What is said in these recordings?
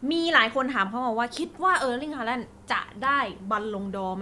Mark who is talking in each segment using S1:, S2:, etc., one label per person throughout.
S1: มีหลายคนถามเขามาว่าคิดว่าเออร์ลิงฮาแลนด์จะได้บัลลงดอร์ไหม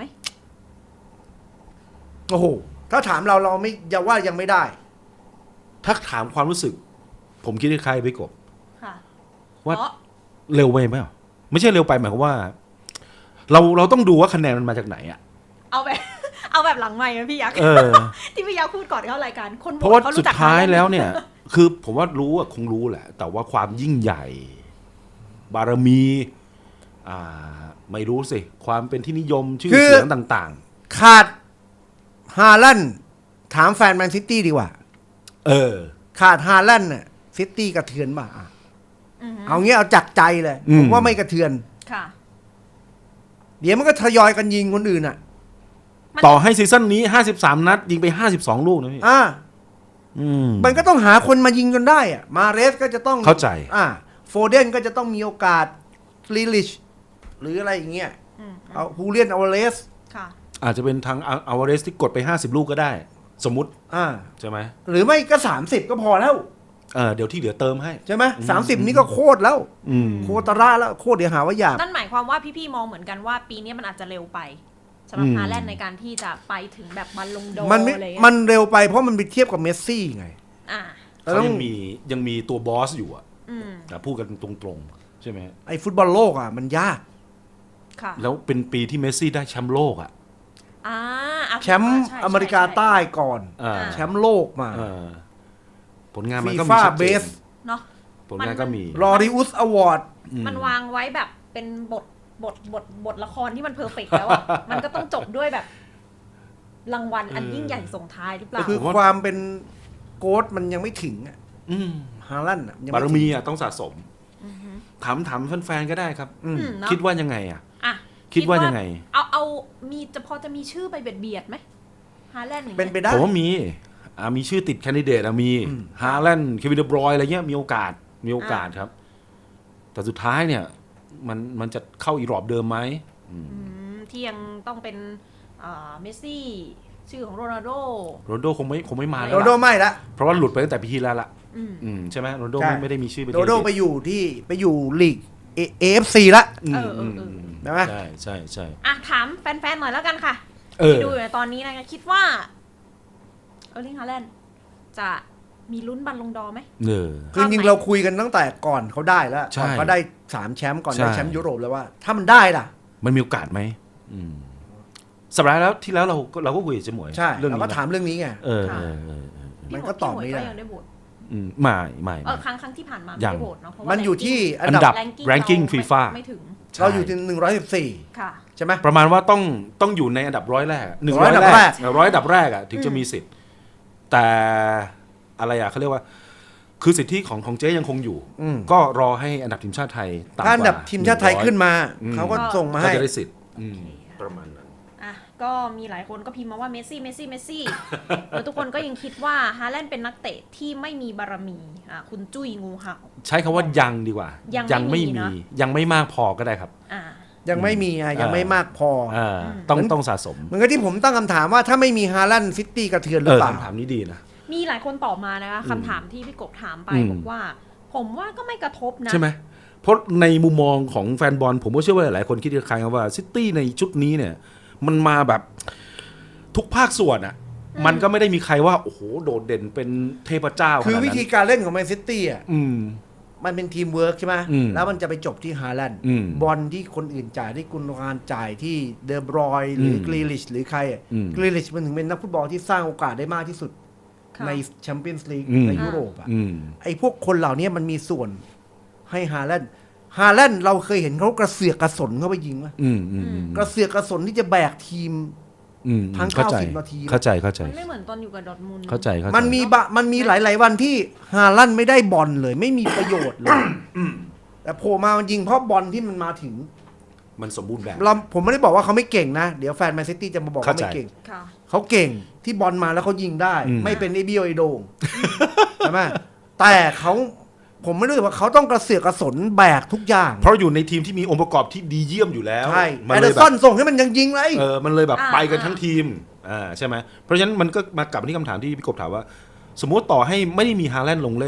S2: โอ้โหถ้าถามเราไม่อย่าว่ายังไม่ได้
S3: ถ้าถามความรู้สึกผมคิดคล้ายๆพี่กบ
S1: ค่ะ
S3: ว่าเร็วไปไหมไม่ใช่เร็วไปหมายความว่าเราต้องดูว่าคะแนนมันมาจากไหนอ่ะ
S1: เอาแบบหลังใหม่นะพี่ยักษ์ที่พี่ยักษ์พูดก่อนเข้ารายการคน
S3: เพราะว่าสุดท้ายแล้วเนี่ยคือผมว่ารู้คงรู้แหละแต่ว่าความยิ่งใหญ่บารมีไม่รู้สิความเป็นที่นิยมชื่อเสียงต่าง
S2: ๆขาดฮาแลนด์ถามแฟนแมนซิตี้ดีกว่าขาดฮาแลนด์น่ะซิตี้กระเทือนป่ะเอางี้เอาจากใจเลยผมว่าไม่กระเทือน
S1: ค่ะ
S2: เดี๋ยวมันก็ทยอยกันยิงคนอื่นอ่ะ
S3: ต่อให้ซีซั่นนี้53นัดยิงไป52ลูกนะพี่
S2: มันก็ต้องหาคนมายิงจนได้อ่ะมาเรสก็จะต้อง
S3: เข้าใจ
S2: โฟเดนก็จะต้องมีโอกาสลีลิชหรืออะไรอย่างเงี้ยเอาฮูเลียนอเวเรส
S3: อาจจะเป็นทางอเวเรสที่กดไป50ลูกก็ได้สมมุติใช่ไหม
S2: หรือไม่ก็30ก็พอแล้ว
S3: เดี๋ยวที่เหลือเติมให้
S2: ใช่ไหม30นี่ก็โคตรแล้วโคตรระแล้วโคตรเดี๋ยวหาว่าหยาบ
S1: นั่นหมายความว่าพี่ๆมองเหมือนกันว่าปีนี้มันอาจจะเร็วไปสำหรับฮาแลนด์ในการที่จะไปถึงแบบบัลลงดอร์อะไร
S2: มันเร็วไปเพราะมันไปเทียบกับเมสซี่ไง
S3: เขายังมีตัวบอสอยู่พูดกันตรงๆใช่ไหม
S2: ไอ้ฟุตบอลโลกมันยาก
S3: แล้วเป็นปีที่เมสซี่ได้แชมป์โลก
S2: แชมป์อเมริกาใต้ก่อนแชมป์โลกมา
S3: ผลงานมันก็
S2: มีชัดเจน
S1: เนาะ
S3: ผลงานก็มี
S2: ลอริอุสอวอร์ด
S1: มันวางไว้แบบเป็นบทละครที่มันเพอร์เฟกต์แล้วมันก็ต้องจบด้วยแบบรางวัลอันยิ่งใหญ่ส่งท้ายหรือเปล่า
S2: คือความเป็นโค้ชมันยังไม่ถึงฮาแลนด์
S3: บารมีต้องสะสมถามแฟนๆก็ได้ครับคิดว่ายังไงคิดว่ายังไง
S1: เอามีจะมีชื่อไปเบียดไหมฮาแลนด์
S2: เป็นไปได้
S3: ผมว่ามีชื่อติดแคนดิเดตมีฮาแลนด์เควินเดบรอยอะไรเงี้ยมีโอกาสครับแต่สุดท้ายเนี่ยมันจะเข้าอีรอบเดิมไหม
S1: ที่ยังต้องเป็นเมสซี่ชื่อของโรนัลโด
S3: คงไม่มาแล้ว
S2: โรนัลโดไม่ละ
S3: เพราะว่าหลุดไปตั้งแต่ปีที่แล้วละใช่ไหมโรนัลโดไม่ได้มีชื่อ
S2: โรนัลโดไปอยู่ลีกAFC ละใช่ไหม
S3: ใช่
S1: ถามแฟนๆหน่อยแล้วกันค่ะที่ดูอยู่ตอนนี้นะคะคิดว่าเออร์ลิงฮาแลนด์จะมีลุ้นบัลลงดอร์ไหม
S2: คือจริงๆเราคุยกันตั้งแต่ก่อนเขาได้แล้วก่อนเขาได้3แชมป์ก่อนได้แชมป์ยุโรปแล้วว่าถ้ามันได้ล่ะ
S3: มันมีโอกาสไหมสัปดาห์แล้วที่แล้วเราก็คุยกับเจ๊หมวย
S2: ใช่เราก็ถามเรื่องนี้ไงมันก็ตอบไม่ได้
S3: ไม่
S1: ครั้งที่ผ่านมาไม่ได้โหวตเนาะเพราะว่า
S2: มันอยู่ที่
S3: อันดับ ranking FIFA
S1: ไม่ถึง
S2: เราอยู่ที่114ใช่ไหม
S3: ประมาณว่าต้องอยู่ในอันดับ100แรก100อันดับแรกถึงจะมีสิทธิ์แต่อะไรเขาเรียกว่าคือสิทธิของเจ๊ยังคงอยู่ก็รอให้อันดับทีมชาติไทย
S2: ต่ำกว่าอันดับทีมชาติไทยขึ้นมาเขาก็ส่งมาให้
S3: ก็จะได้สิทธิ์ประมาณนั้น
S1: ก็มีหลายคนก็พิมพ์มาว่าเมสซี่แล้วทุกคนก็ยังคิดว่าฮาแลนด์เป็นนักเตะที่ไม่มีบารมีคุณจุ้ยงูเห่า
S3: ใช้คำว่ายังดีกว่ายังไม่มียังไม่มากพอก็ได้ครับ
S2: ยังไม่มียังไม่มากพอ
S3: ต้องสะสม
S2: เหมือนกับที่ผมตั้งคำถามว่าถ้าไม่มีฮาแลนด์ซิตี้กระเทือนหรือเปล่า
S3: คำถามนี้ดีนะ
S1: มีหลายคนตอบมานะคะคำถามที่พี่กบถามไปบอกว่าผมว่าก็ไม่กระทบนะ
S3: ใช่ไหมเพราะในมุมมองของแฟนบอลผมก็เชื่อว่าหลายคนคิดคล้ายๆว่าซิตี้ในชุดนี้เนี่ยมันมาแบบทุกภาคส่วนมันก็ไม่ได้มีใครว่าโอ้โหโดดเด่นเป็นเทพเจ้า
S2: คือวิธีการเล่นของแมนซิตี้มันเป็นทีมเวิร์กใช่ไหมแล้วมันจะไปจบที่ฮาแลนด์บอลที่คนอื่นจ่ายที่กุนวานจ่ายที่เดอบรอยหรือกรีลิชหรือใครกรีลิชมันถึงเป็นนักฟุตบอลที่สร้างโอกาสได้มากที่สุดในแชมเปี้ยนส์ลีกในยุโรปไอ้พวกคนเหล่านี้มันมีส่วนให้ฮาแลนด์เราเคยเห็นเขากระเสือกกระสนเข้าไปยิงไหมกระเสือกกระสนที่จะแบกทีมทั้ง90 นาที
S3: เข้าใจ
S1: มันไม่เหมือนตอนอยู่กับดอร์ทมุนด์
S3: เข้าใจ
S2: มันมีหลายๆวันที่ฮาแลนด์ไม่ได้บอลเลยไม่มีประโยชน์เลยแต่โผล่มามันยิงเพราะบอลที่มันมาถึง
S3: มันสมบูรณ์แบบ
S2: ผมไม่ได้บอกว่าเขาไม่เก่งนะเดี๋ยวแฟนแมนซิตี้จะมาบอกว่าไม่เก่งเขาเก่งที่บอลมาแล้วเขายิงได้ไม่เป็นไอเบียไอโดงใช่ไหมแต่ผมไม่รู้ว่าเขาต้องกระเสือกกระสนแบกทุกอย่าง
S3: เพราะอยู่ในทีมที่มีองค์ประกอบที่ดีเยี่ยมอยู่แล้ว
S2: ใช่แอเดอร์สันส่งให้มันยังยิงเลย
S3: มันเลยแบบไปกันทั้งทีมใช่ไหมเพราะฉะนั้นมันก็มากลับมาที่คำถามที่พี่กบถามว่าสมมติต่อให้ไม่ได้มีฮาแลนด์ลงเล่นน่ะ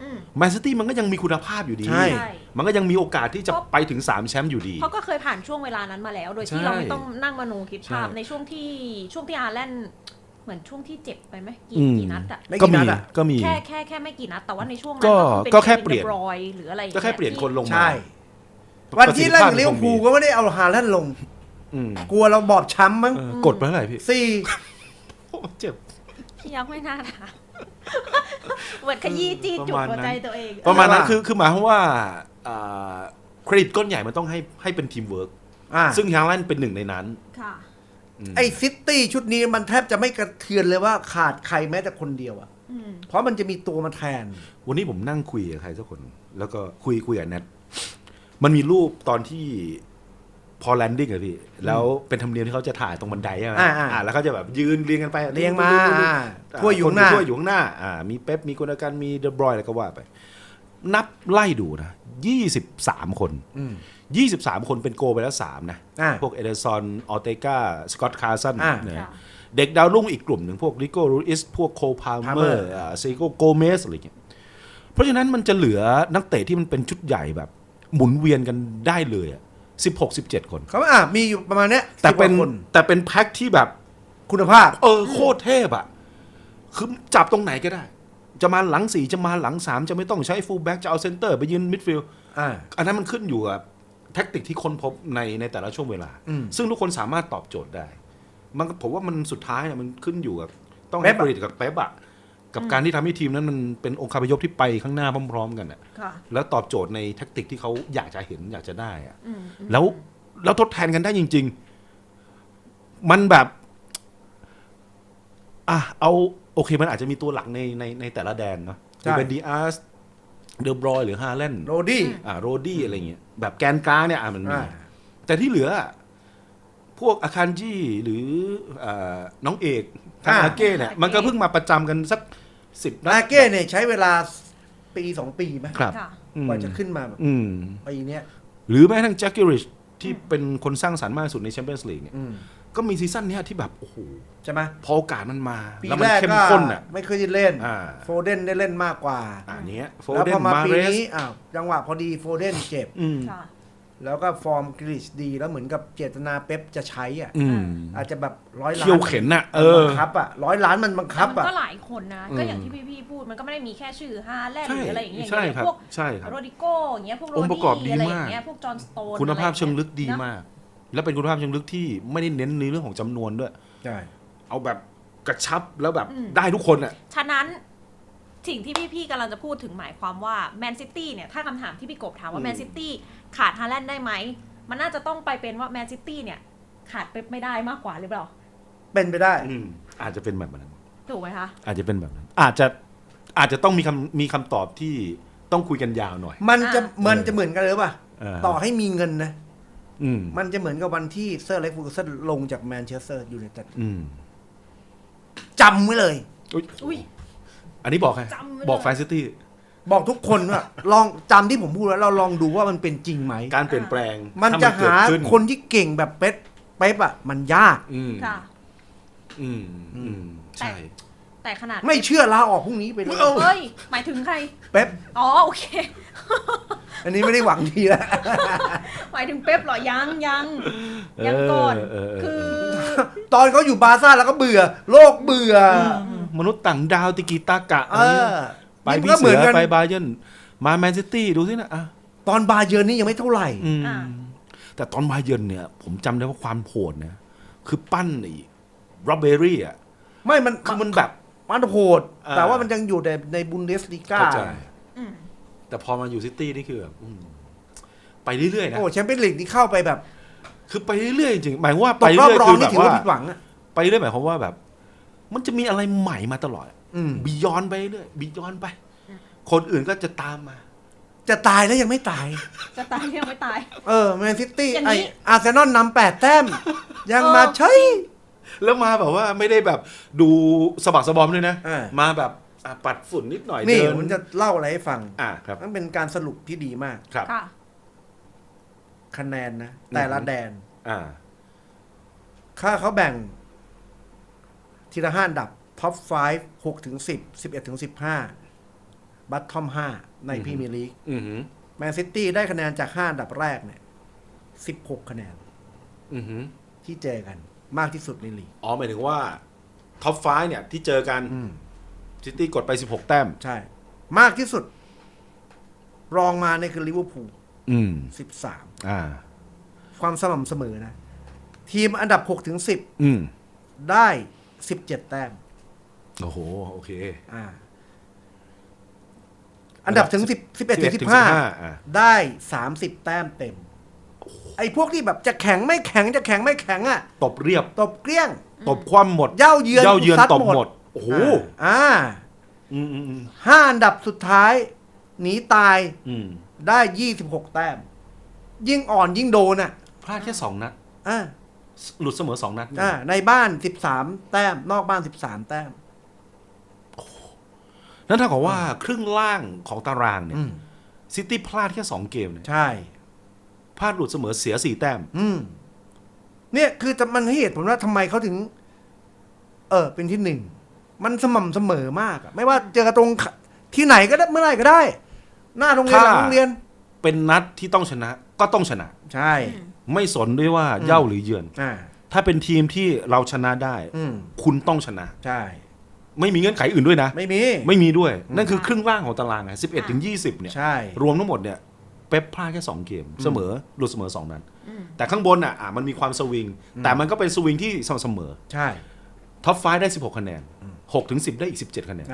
S3: แมนซิตี้มันก็ยังมีคุณภาพอยู่ดี
S2: ใช่
S3: มันก็ยังมีโอกาสที่จะไปถึง3แชมป์อยู่ดี
S1: เขาก็เคยผ่านช่วงเวลานั้นมาแล้ว โดยที่
S3: ใช่
S1: เราไม่ต้องนั่งมโนคิดภาพ
S3: ใช่
S1: ในช่วงที่อาร์แลนด์เหมือนช่วงที่เจ็บไปไหมกี่นัดอะ
S2: ไม่
S3: ก็
S2: กี่
S3: มี
S2: นัดอะ
S3: ก็มี
S1: แค่ไม่กี่นัดแต่ว่าในช่วงนั้น
S3: ก็แค่เปลี่ยน
S1: รอยหรืออะไรอย่าง
S3: ก็
S1: เงี้ย
S3: แค่เปลี่ยนคนลงมา
S2: ใช่ วันที่เล่นกับลิเวอร์พูลก็ไม่ได้เอาฮาแลนด์ลง
S3: อืม
S2: กลัวเราบอบช้ำมั้ง
S3: กดไปเท่าไหร่พี่
S2: สี่
S3: โอ้เจ็บ
S1: พี่ยักษ์ไม่น่าถามเหมือนขยี้จี้จุดหัวใจตัวเอง
S3: ประมาณนั้นคือหมายความว่าเครดิตก้อนใหญ่มันต้องให้เป็นทีมเวิร์กซึ่งฮาแลนด์เป็นหนึ่งในนั้น
S1: ค่ะ
S2: ไอ้ซิตี้ชุดนี้มันแทบจะไม่กระเทือนเลยว่าขาดใครแม้แต่คนเดียวอ่ะเพราะมันจะมีตัวมาแทน
S3: วันนี้ผมนั่งคุยกับใครสักคน แล้วก็คุยกับแนทมันมีรูปตอนที่พอแลนดิ้งอะพี่แล้วเป็นธรรมเนียมที่เขาจะถ่ายตรงบันไดใช่ไหมแล้วเขาจะแบบยืนเรียงกันไป
S2: เรียงมาถ้วยอยู่ข้างหน้า
S3: ถ้วยอยู่ข้างหน้ามีเป๊ปมีกุนกันมีเดบรอยอะไรก็ว่าไป นับไล่ดูนะ23 คน23 คนเป็นโกไปแล้ว3นะพวกเอเดอร์ซอนออเตกาสกอตคาร์สันนะเด็กดาวรุ่งอีกกลุ่มหนึ่งพวกริโก้รูอิสพวกโคพาเมอร์เซโกโกเมสอะไรอย่างเงี้ยเพราะฉะนั้นมันจะเหลือนักเตะที่มันเป็นชุดใหญ่แบบหมุนเวียนกันได้เลย16-17 คน
S2: เขามีอยู่ประมาณเนี้ย
S3: แต่เป็นแพ็คที่แบบ
S2: คุณภาพ
S3: โคตรเทพอ่ะคือจับตรงไหนก็ได้ จะมาหลัง4จะมาหลัง3จะไม่ต้องใช้ฟูลแบ็กจะเอาเซนเตอร์ไปยืนมิดฟิลด์อันนั้นมันขึ้นอยู่กับแท็กติกที่ค้นพบในแต่ละช่วงเวลา ซึ่งทุกคนสามารถตอบโจทย์ได้มันผมว่ามันสุดท้ายมันขึ้นอยู่กับต้องให้เครดิตกับเป๊ปอะกับการที่ทำให้ทีมนั้นมันเป็นองค์คาพยพที่ไปข้างหน้าพร้อมๆกันอะแล้วตอบโจทย์ในแท็กติกที่เขาอยากจะเห็นอยากจะได้อะแล้วทดแทนกันได้จริงๆมันแบบเอาโอเคมันอาจจะมีตัวหลักในแต่ละแดนเนาะจะเป็นดีอาร์สเดอบรอยหรือฮาแลนด์
S2: โรดี้
S3: อะไรเงี้ยแบบแกนกลางเนี่ยมันมีแต่ที่เหลือพวกอาคารจี้หรือน้องเอกทางอาเก้เนี่ยมันก็เพิ่งมาประจำกันสัก10นัด
S2: อาเก้เนี่ยใช้เวลาปี2 ปีไหม
S3: ครับ
S2: กว่าจะขึ้นมาแบบปีเนี้ย
S3: หรือแม้ทั้งแจ็คกิริชที่เป็นคนสร้างสรรค์มากสุดในแชมเปี้ยนส์ลีกเนี่ยก็มีซีซั่นนี้ที่แบบโอ้โห
S2: ใช่ไหม
S3: พอโอกาสมันมา
S2: ปีแรกก็ไม่เคยได้เล่นโฟเดนได้เล่นมากกว่า
S3: เนี้ย
S2: แล้วพอมาปีนี้จังหวะพอดีโฟเดนเจ็บแล้วก็ฟอร์มกริชดีแล้วเหมือนกับเจตนาเป๊ปจะใช้อาจจะแบบ100 ล้าน
S3: เขี่ยวเข็นน่ะ
S2: บังคับ100 ล้านมันบังคับ
S1: มันก็หลายคนนะก็อย่างที่พี่พูดมันก็ไม่ได้มีแค่ชื่อฮาแลนด์หรืออะไรอย่างเงี้ยพวกโรดิโก้อย่างเงี้ยพวกโรดี้อะไรอย่างเงี้ยพวกจอห์นสโตน
S3: คุณภาพเชิงลึกดีมากและเป็นคุณภาพเชิงลึกที่ไม่ได้เน้นในเรื่องของจำนวนด้วย
S2: ใช่
S3: เอาแบบกระชับแล้วแบบได้ทุกคนอ่ะ
S1: ฉะนั้นสิ่งที่พี่กำลังจะพูดถึงหมายความว่าแมนซิตี้เนี่ยถ้าคำถามที่พี่กบถามว่าแมนซิตี้ขาดฮาแลนด์ได้ไหมมันน่าจะต้องไปเป็นว่าแมนซิตี้เนี่ยขาดเป๊ปไม่ได้มากกว่าหรือเปล่า
S2: เป็นไปได้
S3: อาจจะเป็นแบบนั้น
S1: ถูกไหมคะ
S3: อาจจะเป็นแบบนั้นอาจจะต้องมีคำตอบที่ต้องคุยกันยาวหน่อย
S2: มันจะเหมือนกันเลยป่ะต่อให้มีเงินนะมันจะเหมือนกับวันที่เซอร์เล็กฟูร์สันลงจากแมนเชสเตอร์ยูไนเต็ดจำไว้เลย
S3: อันนี้บอกใครบอกแฟนซิตี้
S2: บอกทุกคนว่าลองจำที่ผมพูดแล้วเราลองดูว่ามันเป็นจริงไหม
S3: การเปลี่ยนแปลง
S2: มันจะหาคนที่เก่งแบบเป๊ปอ่ะมันยาก
S1: ค่ะ
S3: ใช่
S1: แต่ขนาด
S2: ไม่เชื่อลาออกพรุ่งนี้ไปเลย
S1: เฮ้ยหมายถึงใคร
S2: เป๊ป
S1: โอเค
S2: อันนี้ไม่ได้หวังดีแล้ว
S1: หมายถึงเป๊ปหรอยังก่อนคือ
S2: ตอนเขาอยู่บาร์ซ่าแล้วก็เบื่อโลกเบื่อ
S3: มนุษย์ต่างดาวติกิตากะไปพี่เสือไปบาเยิร์นมาแมนซิตี้ดูสินะ
S2: ตอนบาเยิร์นนี่ยังไม่เท่าไหร่
S3: แต่ตอนบาเยิร์นเนี่ยผมจำได้ว่าความโหดนะคือปั้นไอ้โรเบรี่อ่ะ
S2: ไม่มัน
S3: คือมันแบบ
S2: มันโหดแต่ว่ามันยังอยู่ในบุนเดสลีกา
S3: แต่พอมาอยู่ซิตี้นี่คือแบบไปเรื่อยๆนะ
S2: โอ้แชมเปี้ยนลีกนี่เข้าไปแบบ
S3: คือไปเรื่อยๆจริงหมายว่าไปเรื่อยคือแบบว่า
S2: ผิดหวังอะ
S3: ไปเรื่อยหมายความว่าแบบมันจะมีอะไรใหม่มาตลอดบียอนไปเรื่อยบียอนไปคนอื่นก็จะตามมา
S2: จะตายแล้วยังไม่ตาย
S1: ยังไม่ตาย
S2: แมนซิตี้ไออาร์เซนอลนำ8 แต้มยังมาใช่
S3: แล้วมาแบบว่าไม่ได้แบบดูสะบักสะบอมด้วยนะมาแบบปัดฝุ่นนิดหน่อย
S2: นี่ผมจะเล่าอะไรให้ฟัง
S3: ครับ
S2: มันเป็นการสรุปที่ดีมาก
S3: ครับ
S2: คะแนนนะแต่ละแดนค่าเขาแบ่งทีละ5 อันดับท็อป5 6 ถึง 10 11 ถึง 15 บัตทอม5ในพรีเมียร์ลีก
S3: อือหือ
S2: แมนซิตี้ได้คะแนนจาก5อันดับแรกเนี่ย16 คะแนน
S3: อือหือ
S2: ที่เจอกันมากที่สุดในลีก
S3: อ๋อหมายถึงว่าท็อปไฟเนี่ยที่เจอกันซิตี้กดไป16 แต้ม
S2: ใช่ มากที่สุด รองมาเนี่ยคือลิเวอร์พูล 13
S3: อ่า
S2: ความสม่ำเสมอนะ ทีมอันดับ6ถึง
S3: อืม
S2: 10 ได้17 แต้ม
S3: โอ้โหโอเค
S2: อันดับถึง10 11ถึง
S3: อ่า
S2: 15 ได้ 30 แต้มเต็ม ไอ้พวกที่แบบจะแข็งไม่แข็งจะแข็งไม่แข็งอ่ะ
S3: ตบเรียบ
S2: ตบเกลี้ยง
S3: ตบคว่ำหมด
S2: เย้าเยือน
S3: ต
S2: ซั
S3: บ
S2: ด
S3: หมด โอ้โห
S2: อ่า
S3: อืม
S2: 5 อันดับสุดท้าย หนีตาย
S3: อืม
S2: ได้ 26 แต้ม ยิ่งอ่อนยิ่งโดนอ่ะ
S3: พลาดแค่2 นัด
S2: อ่า
S3: หลุดเสมอ2 นัด
S2: ในบ้าน 13 แต้ม นอกบ้าน 13 แต้ม
S3: นั่นเท่ากับว่าครึ่งล่างของตารางเนี่ยซิตี้พลาดแค่2 เกมเนี่ย
S2: ใช่
S3: พลาดหลุดเสมอเสีย4 แต้ม
S2: เนี่ยคือมันให้เหตุผลว่าทำไมเขาถึง เป็นที่ 1 มันสม่ำเสมอมากอะไม่ว่าเจอกันตรงที่ไหนก็ได้เมื่อไหร่ก็ได้ หน้าโรงเรียนหลังโรงเรียน
S3: เป็นนัดที่ต้องชนะก็ต้องชนะ
S2: ใช่
S3: ไม่สนด้วยว่าเย่าหรือเยือน
S2: อ่า
S3: ถ้าเป็นทีมที่เราชนะได้ คุณต้องชนะ
S2: ใช่
S3: ไม่มีเงื่อนไขอื่นด้วยนะ
S2: ไม่มี
S3: ไม่มีด้วย นั่นคือครึ่งล่างของตารางไง11 ถึง 20เนี่ย
S2: ใช่
S3: รวมทั้งหมดเนี่ยเป๊ปพลาดแค่2 เกมเสมอหลุดเสมอ2 นัดแต่ข้างบนอ่ะมันมีความสวิงแต่มันก็เป็นสวิงที่สม่ำเสมอ
S2: ใช่
S3: ท็อปไฟได้16 คะแนน6 ถึง 10 ได้อีก17 คะแนน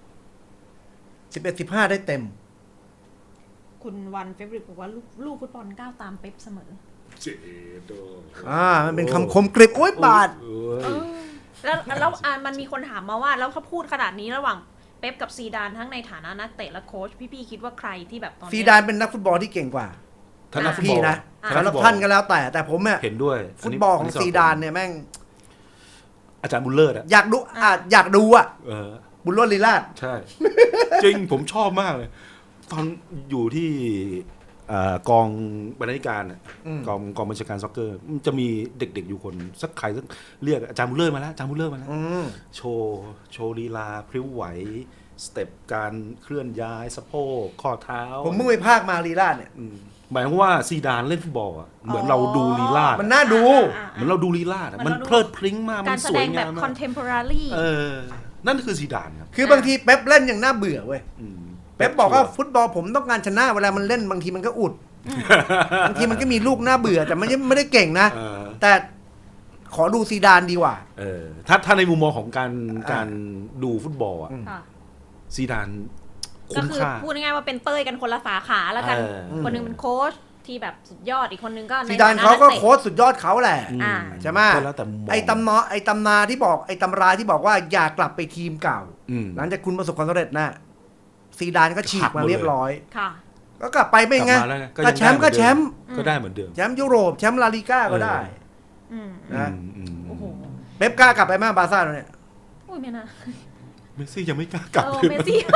S2: 11-15 ได้เต็ม
S1: คุณวันเฟบริกบอกว่าลูกฟุตบอลก้าวตามเป๊ปเสมอ
S3: เจโด
S2: มันเป็นคำคมกริบโอ้ยบาด
S1: แล้วมันมีคนถามมาว่าแล้วเขาพูดขนาดนี้ระหว่างเป๊ปกับซีดานทั้งในฐานะนักเตะและโค้ชพี่คิดว่าใครที่แบบตอนนี้
S2: ซีดานเป็นนักฟุตบอลที่เก่งกว่า
S3: ท่านนักฟุตบอ
S2: พี่
S3: ล
S2: นะสำหรับท่านก็แล้วแต่ผมเนี่ย
S3: เห็นด้วย
S2: ฟุตบอลของซีดานเนี่ยแม่ง
S3: อาจารย์บุลเลอร์อะ
S2: อยากดูอยากดูอ่ะ บุญรอดลีลาด
S3: ใช่ จริงผมชอบมากเลย ตอนอยู่ที่กองบรรณาธิการอะกองบัญชาการซ็อกเกอร์มันจะมีเด็กๆอยู่คนสักใครสักเรียกอาจารย์บุลเลอร์มาแล้วอาจารย์บุลเลอร์มาแล้วโชว์ลีลาพริ้วไหวสเต็ปการเคลื่อนย้ายสะโพกข้อเท้า
S2: ผมเพิ่งไปภาคมาลีลาดเนี่ย
S3: หมายความว่าซีดานเล่นฟุตบอลอะเหมือนเราดูลีลาด
S2: มันน่าดู
S3: เหมือนเราดูลีลาดอะมันเพลิดพริ้งมากมั
S1: การ
S3: น
S1: แส
S3: ส
S1: ด
S3: วย
S1: งแบ
S3: งา
S1: บ
S3: ม
S1: คอน
S3: มาก
S1: เทมพอรารี
S3: นั่นคือซีดานครับ
S2: คือบางทีเป๊ปเล่นอย่างน่าเบื่อเว้ยเป๊ปบอกว่าฟุตบอลผมต้องการชนะเวลามันเล่นบางทีมันก็อุดบางทีมันก็มีลูกน่าเบื่อแต่มันไม่ได้เก่งนะแต่ขอดูซีดานดีกว่า
S3: ถ้าในมุมมองของการดูฟุตบอลอะซีดาน
S1: ก็
S3: คุ้ม
S1: คือ
S3: ค่า
S1: พูดง่ายๆว่าเป็นเต้ยกันคนละสาขาแล้วกัน คนหนึงเป็นโค้ชที่แบบสุดยอดอีกคนนึงก็ใน
S2: ซีดานเขาก็โค้ชสุดยอดเขาแหละ ใช่ไหม
S3: ก็แล้วแต่มุมมอง
S2: ไอ้ตำนาที่บอกไอ้ตำราที่บอกว่าอย่ากลับไปทีมเก่าหลังจากคุณประสบความสำเร็จนะซีดานก็ฉีกมาเรียบร้อย
S1: ค่ะ
S2: ก็กลับไปไม่ไง
S3: กลับมาแล้วไงก็
S2: ก็
S3: ยัง
S2: แชมป์ก็แชมป์
S3: ก็ได้เหมือนเดิม
S2: แชมป์ยุโรปแชมป์ลาลิก้าก็ได้นะ
S1: โอ้โห
S2: เป๊ปกล้ากลับไปไหมบาร์ซ่าเนี่ย
S1: อุ้ยไม่นะ
S3: เมสซี่ยังไม่กล้ากลับ
S1: เมสซี่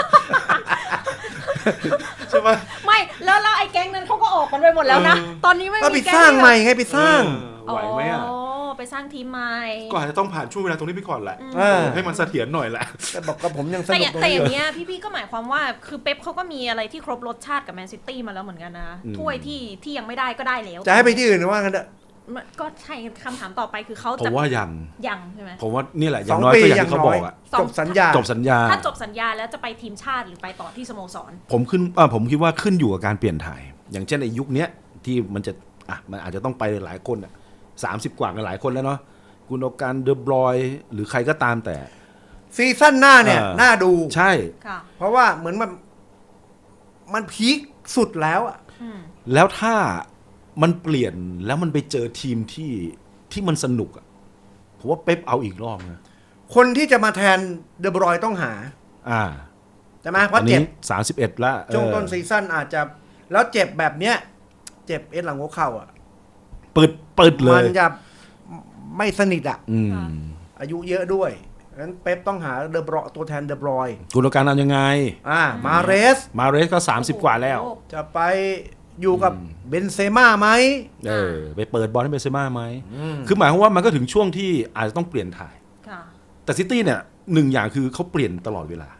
S3: ใช่ไหม
S1: ไม่แล้วไอ้แก๊งนั้นเขาก็ออกกันไปหมดแล้วนะ ตอนนี้ไม่
S2: ก็
S1: มี
S2: ไป
S1: แก๊ง
S2: สร้างใหม่ไงไปสร้าง
S3: ไหวไหมอ่ะ
S1: อ๋อไปสร้างทีมใหม่
S3: ก็อาจจะต้องผ่านช่วงเวลาตรงนี้ไปก่อนแหละ ให้มันเสถียรหน่อยแหละ
S2: แต่บอกกับผมยังส
S1: แต่
S2: นุกตรง
S1: แต่อ
S2: นี้
S1: ย่างเงี้ยพี่ๆก็หมายความว่าคือเป๊ปเขาก็มีอะไรที่ครบรสชาติกับแมนซิตี้มาแล้วเหมือนกันนะถ้วยที่ยังไม่ได้ก็ได้แล้ว
S2: จะให้ไปที่อื่นหรือว่ากันเถอะ
S1: ก็ใช่คำถามต่อไปคือเขา
S3: ผ
S1: จะ
S3: มว่ายัง
S1: ใช่ไหม
S3: ผมว่านี่แหละอ
S2: ส
S3: ย่า
S2: อง
S3: งน้อย
S2: ปี
S3: ก็อย่า
S2: อย่าง
S3: งที่เขา
S2: น้
S3: บ
S2: อ
S3: อย กอะ
S2: จบสัญญา
S3: จบสัญญา
S1: ถ้าจบสัญญาแล้วจะไปทีมชาติหรือไปต่อที่สโมสร
S3: ผมคิดว่าขึ้นอยู่กับการเปลี่ยนถ่าย อย่างเช่นในยุคนี้ที่มันจะมันอาจจะต้องไปหลายคนอ่ะ30 กว่ากันหลายคนแล้วเนาะกุนโอการเดอบรอยหรือใครก็ตามแต่
S2: ซีซั่นหน้าเนี่ยน่าดู
S3: ใช่
S1: ค่ะ
S2: เพราะว่าเหมือนมันพีคสุดแล้วอะ
S3: แล้วถ้ามันเปลี่ยนแล้วมันไปเจอทีมที่มันสนุกอ่ะผมว่าเป๊ปเอาอีกรอบนะ
S2: คนที่จะมาแทนเดอบรอยต้องหาใช่ไหมเพ
S3: อั
S2: ราะ
S3: น
S2: เจ็
S3: นี้
S2: บ
S3: 31แล้ว
S2: ช่วงต้นซีซั่นอาจจะแล้วเจ็บแบบเนี้ยเจ็บหลังหัวเข่าอ่ะ
S3: เปิดเล
S2: มั
S3: ย
S2: นจะไม่สนิทอ่ะ
S1: ค่ะ
S2: อายุเยอะด้วยงั้นเป๊ปต้องหาเดอบรอยตัวแทนเดอบรอย
S3: กุนโอการเอายังไง
S2: มาเรส
S3: มาเรสก็30 กว่าแล้ว
S2: จะไปอยู่กับเบนเซม่าไหม
S3: ไปเปิดบอลให้เบนเซม่าไหมคือหมายความว่ามันก็ถึงช่วงที่อาจจะต้องเปลี่ยนถ่าย
S1: ค่ะ
S3: แต่ซิตี้เนี่ยหนึ่งอย่างคือเขาเปลี่ยนตลอดเวลา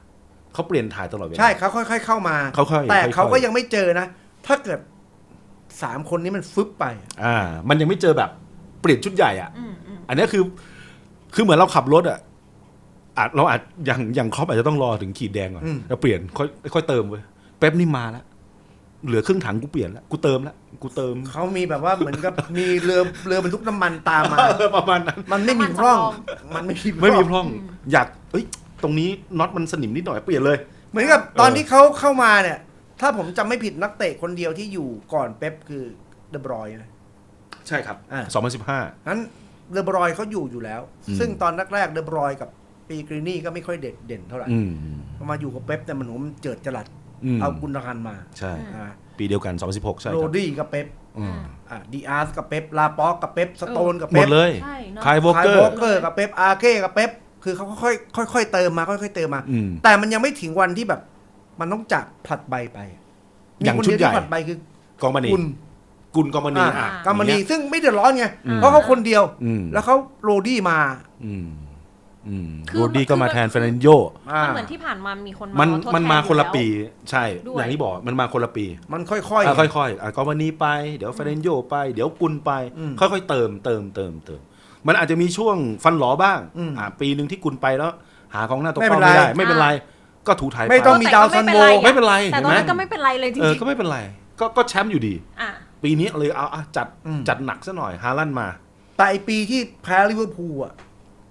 S3: เขาเปลี่ยนถ่ายตลอดเวลา
S2: ใช่เขาค่อยๆเข้ามา
S3: ค่อยๆ
S2: แต่เขา
S3: ค่
S2: ก็
S3: อยๆ
S2: ยังไม่เจอนะ ถ้าเกิด3 คนนี้มันฟึบไป
S3: มันยังไม่เจอแบบเปลี่ยนชุดใหญ่อ่ะ อันนี้คือเหมือนเราขับรถอ่ะเราอาจอย่างครอปอาจจะต้องรอถึงขีดแดงก่อนแล้วเปลี่ยนค่อยเติมเว้ยแป๊บนี่มาแล้วเหลือครึ่งถังกูเปลี่ยนแล้วกูเติมแล้วกูเติม
S2: เขามีแบบว่าเหมือนกับมีเรือบรรทุกน้ำมันตามมา
S3: ประมาณนั้น
S2: มันไม่มีพร่อง มันไม่
S3: ไม่มี
S2: พ
S3: พ
S2: ร่อง
S3: ร่องอยากตรงนี้น็อตมันสนิมนิดหน่อยเปลี่ยนเลย
S2: เหมือนกับตอนที่เขาเข้ามาเนี่ย ถ้าผมจำไม่ผิดนักเตะคนเดียวที่อยู่ก่อนเป๊ปคือเดอบรอยน์นะ
S3: ใช่ครับ 2015
S2: นั้นเดอบรอยน์เขาอยู่แล้ว ซึ่งตอนแรกๆเดอบรอยน์กับปีกรีนี่ก็ไม่ค่อยเด่นเท่าไหร่พอมาอยู่กับเป๊ปแต่มันผมเจิดจรัสเอากุนดาฮันมา
S3: ใช่ปีเดียวกัน2016ใช่ค
S2: โร
S3: รับ
S2: ดี้กับเป๊ปดีอาร์สกับเป๊ปลาป็อกกับเป๊ปสโตนกับ
S3: หม
S2: เป๊ป
S3: ดเลย
S1: ใช่เนอะ
S3: คายวอล
S2: คาย
S3: เกอ
S2: โบ
S3: ร์
S2: เกอร์กับเป๊ปอาร์เก้กับเป๊ปคือเขาค่อยๆเติมมาค่อยๆเติมมา แต่มันยังไม่ถึงวันที่แบบ มันต้องจากผลัดใบไป
S3: อย่าง
S2: มีคน
S3: ชุด
S2: เดียว
S3: ใหญ่
S2: ที่ผลัดใบคือก
S3: องมานี กุลกองมานี
S2: กามมานีซึ่งไม่เดือดร้อนไงเพราะเขาคนเดียว แล้วเขาโรดี้มา
S1: คือ
S3: โรดี้ก็มาแทนเฟรนันโย
S1: มันเหมือนที่ผ่านมามีคน
S3: มัน
S1: ทดแท
S3: มันมาคนละ
S1: อยู่แว
S3: ปีใช่
S1: ด้วย
S3: อย่างที่บอกมันมาคนละปี
S2: มันค่อย
S3: ค่อยๆกองมานีไปเดี๋ยวเฟรนันโยไปเดี๋ยวกุลไป ค่อยๆเติมมันอาจจะมีช่วงฟันหลอบ้างปีหนึ่งที่กุลไปแล้ว หากองหน้าตัวเป้าไม่ได้ไม่เป็นไรก็ถูถ่าย
S2: ไม่ต้องมีดาวซันโว
S3: ไม่เป็นไร
S1: แต่
S3: เห็น
S1: ตอน
S3: ไหม
S1: นั้นก็ไม่เป็นไรเลยจริง
S3: ก็ไม่เป็นไรก็แชมป์อยู่ดี
S1: ๆอ่ะ
S3: ปีนี้เลยเอาจัดหนักซะหน่อยฮาลันด์มา
S2: แต่ไอปีที่แพ้ลิเวอร์พูลอ่ะ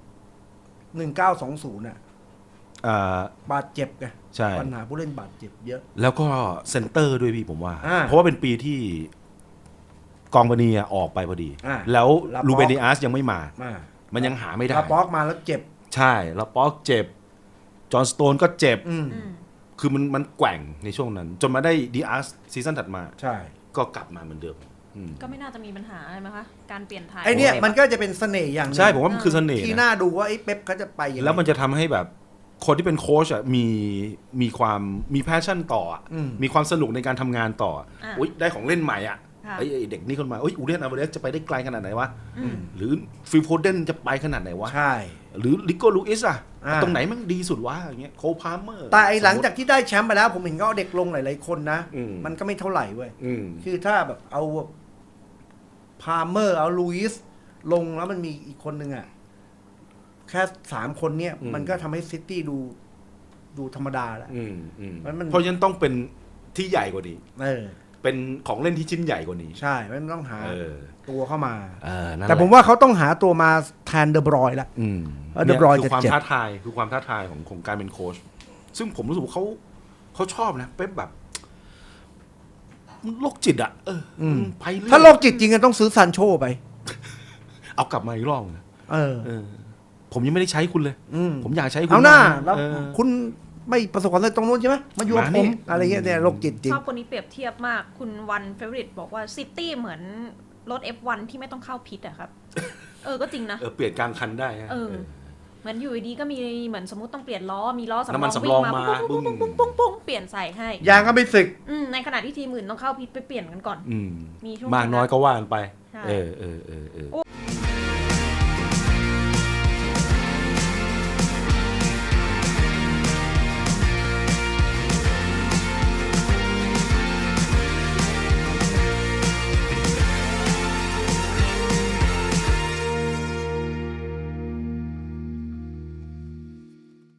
S2: 1920น่ะ บาดเจ็บไง
S3: ใช่
S2: ปัญหาผู้เล่นบาดเจ็บเยอะ
S3: แล้วก็เซนเตอร์ด้วยพี่ผมว่า
S2: อ่า
S3: เพราะว่าเป็นปีที่กองบานีออกไปพอดี
S2: อ่า
S3: แล้ว
S2: ลาป็อก
S3: ลูเบนิอาสยังไม่มา
S2: มา
S3: มันยังหาไม่ได้
S2: ลาป็อกมาแล้วเจ็บ
S3: ใช่แล้วป๊อกเจ็บ จอห์นสโตนก็เจ็บ
S2: อืม
S3: คือมันแกว่งในช่วงนั้น จนมาได้ดีอาร์สซีซั่นถัดมา
S2: ใช่
S3: ก็กลับมาเหมือนเดิม
S1: ก็ไม่น่าจะมีปัญหาอะไรไหมคะการเปลี่ยนถ่าย
S2: ไอเนี่ยมันก็จะเป็นเสน่ห์อย่างหนึ่ง
S3: ใช่ผมว่ามันคือเสน่ห์
S2: ที่
S3: นะ
S2: น่าดูว่าไอ้เป๊ปเขาจะไปยังไง
S3: แล้วมันจะทำให้แบบคนที่เป็นโค้ชอ่ะมีความมีแพชชั่นต่ออ่ะ มีความสนุกในการทำงานต่ออุ๊ยได้ของเล่นใหม่อ่ะ
S1: ค่ะ
S3: ไอ้เด็กนี่คนมาอูเดนอาร์เบเรสจะไปได้ไกลขนาดไหนวะหรือฟิลโฟเดนจะไปขนาดไหนวะ
S2: ใช่
S3: หรือลิโก้ลูอิสอ่ะ
S2: อ่า
S3: ตรงไหนมันดีสุดวะอย่างเงี้ยโคพาร์เมอร์
S2: แต่ไอหลังจากที่ได้แชมป์ไปแล้ว ผมเห็นก็เอาเด็กลงหลายๆคนนะ
S3: อืม
S2: มันก็ไม่เท่าไหร่เว้ย
S3: อืม
S2: คือถ้าแบบเอาพาเมอร์เอาลูอิสลงแล้วมันมีอีกคนหนึ่งอ่ะ แค่3 คนเนี่ย มันก็ทำให้ซิตี้ดูธรรมดาแล้ว มัน
S3: เพราะฉะนั้นต้องเป็นที่ใหญ่กว่านี้ เป็นของเล่นที่ชิ้นใหญ่กว่านี้
S2: ใช่มันต้องหาตัวเข้ามา
S3: นั่นหละ
S2: แต่ผมว่าเขาต้องหาตัวมาแทนเดอบรอยน์ละ เดอบรอยน์
S3: คือความ
S2: จะเจ็บ
S3: ท้าทายคือความท้าทายของการเป็นโค้ชซึ่งผมรู้สึกว่าเขาชอบนะเป๊ปแบบโรคจิตอ่ะไปเรื่อย
S2: ถ้าโรคจิตจริงก็ต้องซื้อซานโชไป
S3: เอากลับมาอีกรอบนะ
S2: เออ
S3: ผมยังไม่ได้ใช้คุณเลย ผมอยากใช้คุณ
S2: เอาหน้า
S3: บ้ง
S2: แล้ว
S3: เออ
S2: คุณไม่ประสบความสำเร็จตรงนู้นใช่ไหมมาอยู่กับ
S3: มา
S2: ผ
S3: นี่
S2: มอะไรเงี้ยเนี่ยโรคจิตจริง
S1: ชอบคนนี้เปรียบเทียบมากคุณวันเฟเวอริตบอกว่าซิตี้เหมือนรถ F1 ที่ไม่ต้องเข้าพิษอะครับ ก็จริงนะ
S3: เปลี่ยนกลางคันได้ฮะ
S1: เหมือนอยู่ดีๆก็มีเหมือนสมมติต้องเปลี่ยนล้อมีล้อสำร
S3: น้ำมั
S1: อน ง
S3: สำ
S1: วิ่
S3: รอง
S1: งมา
S3: มา
S1: ปุ้งปุ้งปุ้งปุ้งปุ้งเปลี่ยนใส่ให้
S2: ยางก็ไม่สึก
S1: ในขณะที่ทีมอื่นต้องเข้าพิษไปเปลี่ยนกันก่อน มีช่วง
S3: มากน้อยก็ว่ากันไป
S1: ใช่
S3: เออ